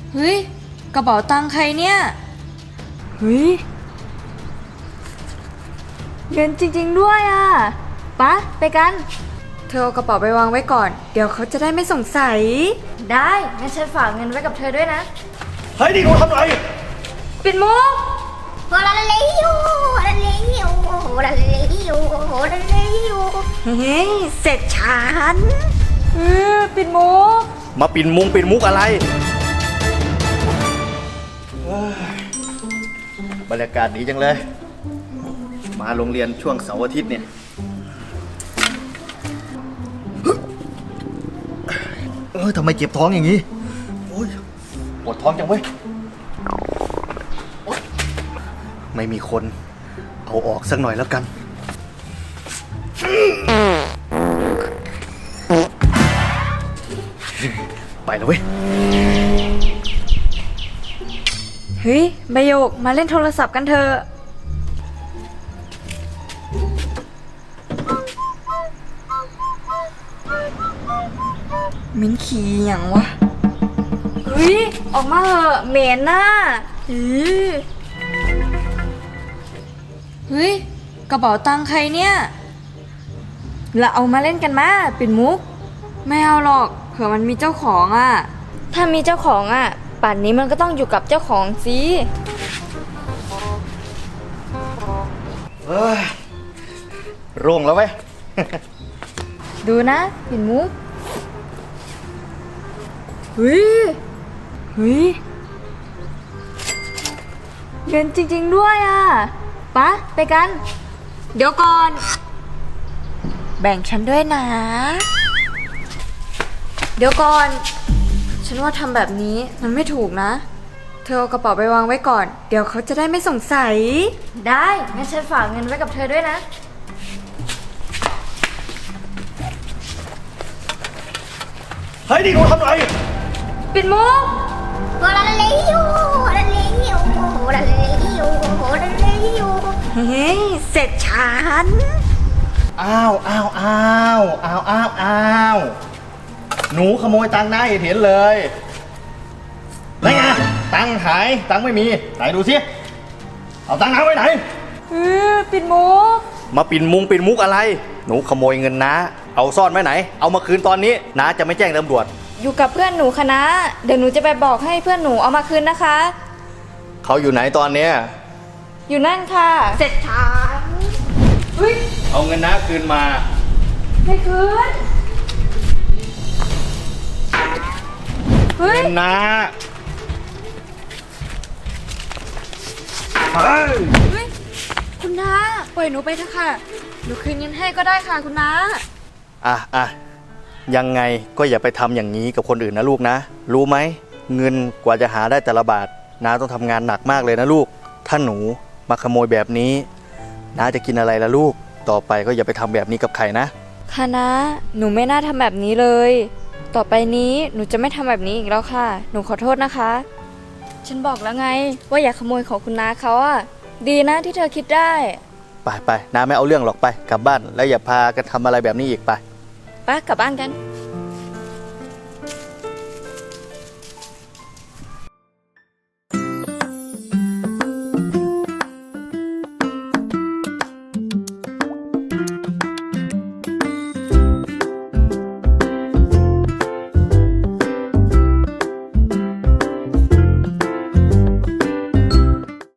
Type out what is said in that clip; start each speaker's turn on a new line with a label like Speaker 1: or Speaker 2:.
Speaker 1: เฮ้ยกระเป๋าตังค์ใครเนี่ยเฮ้ยเงินจริงๆด้วยอ่ะปะไปกันเธอเอากระเป๋าไปวางไว้ก่อนเดี๋ยวเขาจะได้ไม่สงสัยได้งั้นฉันฝากเงินไว้กับเธอด้วยนะ
Speaker 2: เฮ้ยนี่หนูทำไร
Speaker 1: ปิดมุก
Speaker 3: โฮลาเลโยโฮลาเลโยโฮลาเลโยโฮลาเลโย
Speaker 1: เฮ้ยเสร็จฉันปิดมุก
Speaker 2: มาปิ่นมุกอะไรบรรยากาศดีจังเลยมาโรงเรียนช่วงเสาร์อาทิตย์เนี่ยทำไมเจ็บท้องอย่างนี้โอ้ยปวดท้องจังเว้ยไม่มีคนเอาออกสักหน่อยแล้วกันไปแล้วเว้ย
Speaker 1: เฮ้ยใบโยกมาเล่นโทรศัพท์กันเถอะมิ้นขี่อย่างวะเฮ้ยออกมาเหอะเหม็นน่ะเฮ้ยกระเป๋าตังค์ใครเนี่ยเราเอามาเล่นกันมาปิดมุกไม่เอาหรอกเผื่อมันมีเจ้าของอ่ะถ้ามีเจ้าของอ่ะป่านนี้มันก็ต้องอยู่กับเจ้าของสิ
Speaker 2: โร่งแล้วเว้ย
Speaker 1: ดูนะปิดมุกเฮ้ยเงินจริงๆด้วยอ่ะปะไปกันเดี๋ยวก่อนแบ่งฉันด้วยนะเดี๋ยวก่อนฉันว่าทำแบบนี้มันไม่ถูกนะเธอเอากระเป๋าไปวางไว้ก่อนเดี๋ยวเขาจะได้ไม่สงสัยได้งั้นฉันฝากเงินไว้กับเธอด้วยนะ
Speaker 2: เฮ้ยนี่หนูทำไร
Speaker 1: ปิดมุก
Speaker 3: โฮลาเลโยโฮลาเลโยโฮลาเลโยโฮลาเลโย
Speaker 1: เฮ้ยเสร็จฉัน
Speaker 2: อ้าวหนูขโมยตังค์นายเห็นเลยไหนไงตังค์หายตังค์ไม่มีไหนดูสิเอาตังค์น้าไว้ไหน
Speaker 1: ปิดมุก
Speaker 2: มาปิ่นมุกอะไรหนูขโมยเงินน้าเอาซ่อนไว้ไหนเอามาคืนตอนนี้น้าจะไม่แจ้งตำรวจ
Speaker 1: อยู่กับเพื่อนหนูคณะเดี๋ยวหนูจะไปบอกให้เพื่อนหนูเอามาคืนนะคะ
Speaker 2: เขาอยู่ไหนตอนเนี้ย
Speaker 1: อยู่นั่นค่ะเสร็จฉัน
Speaker 2: เอาเงินน้าคืนมา
Speaker 1: ไม่คืน
Speaker 2: เงินน้า
Speaker 1: คุณน้าปล่อยหนูไปเถอะค่ะหนูคืนเงินให้ก็ได้ค่ะคุณน้า
Speaker 2: ยังไงก็อย่าไปทำอย่างนี้กับคนอื่นนะลูกนะรู้ไหมเงินกว่าจะหาได้แต่ละบาทน้าต้องทำงานหนักมากเลยนะลูกถ้าหนูมาขโมยแบบนี้น้าจะกินอะไรล่ะลูกต่อไปก็อย่าไปทำแบบนี้กับใครนะ
Speaker 1: ค่ะน้าหนูไม่น่าทำแบบนี้เลยต่อไปนี้หนูจะไม่ทำแบบนี้อีกแล้วค่ะหนูขอโทษนะคะฉันบอกแล้วไงว่าอย่าขโมยของคุณน้าเขาอ่ะดีนะที่เธอคิดได้
Speaker 2: ไปน้าไม่เอาเรื่องหรอกไปกลับบ้านแล้วอย่าพากันทำอะไรแบบนี้อีกไป
Speaker 1: กลับบ้านกัน